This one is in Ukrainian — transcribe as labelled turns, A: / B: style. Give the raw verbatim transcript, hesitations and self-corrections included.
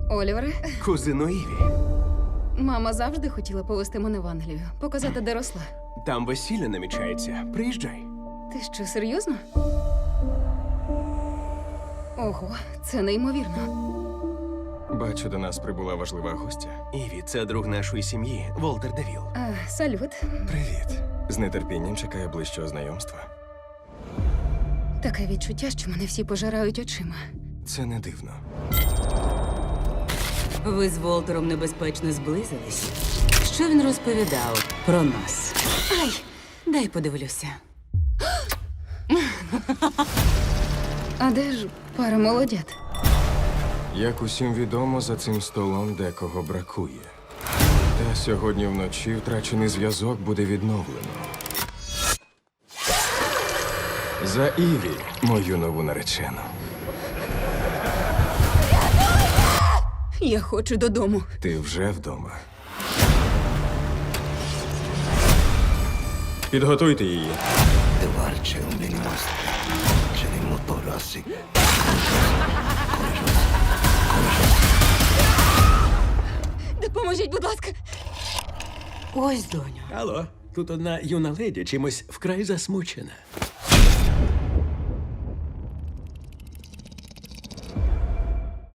A: Олівере,
B: Кузино Іві.
A: мама завжди хотіла повести мене в Англію, показати, де росла.
B: Там весілля намічається. Приїжджай.
A: Ти що, серйозно? Ого, це неймовірно.
C: Бачу, до нас прибула важлива гостя.
B: Іві, це друг нашої сім'ї, Волтер Девіл.
A: А, салют.
C: Привіт. З нетерпінням чекаю ближчого знайомства.
A: Таке відчуття, що мене всі пожирають очима.
C: Це не дивно.
D: Ви з Волтером небезпечно зблизились. Що він розповідав про нас? Ай, дай подивлюся.
A: А де ж пара молодят?
C: Як усім відомо, за цим столом декого бракує. Та сьогодні вночі втрачений зв'язок буде відновлено. За Іві, мою нову наречену.
A: Я хочу додому.
C: Ти вже вдома. Підготуйте її.
E: Devarce un venimostre, ce ne motorossi.
A: Допоможіть, будь ласка.
D: Ось, доню.
F: Алло, тут одна юна леді чимось вкрай засмучена.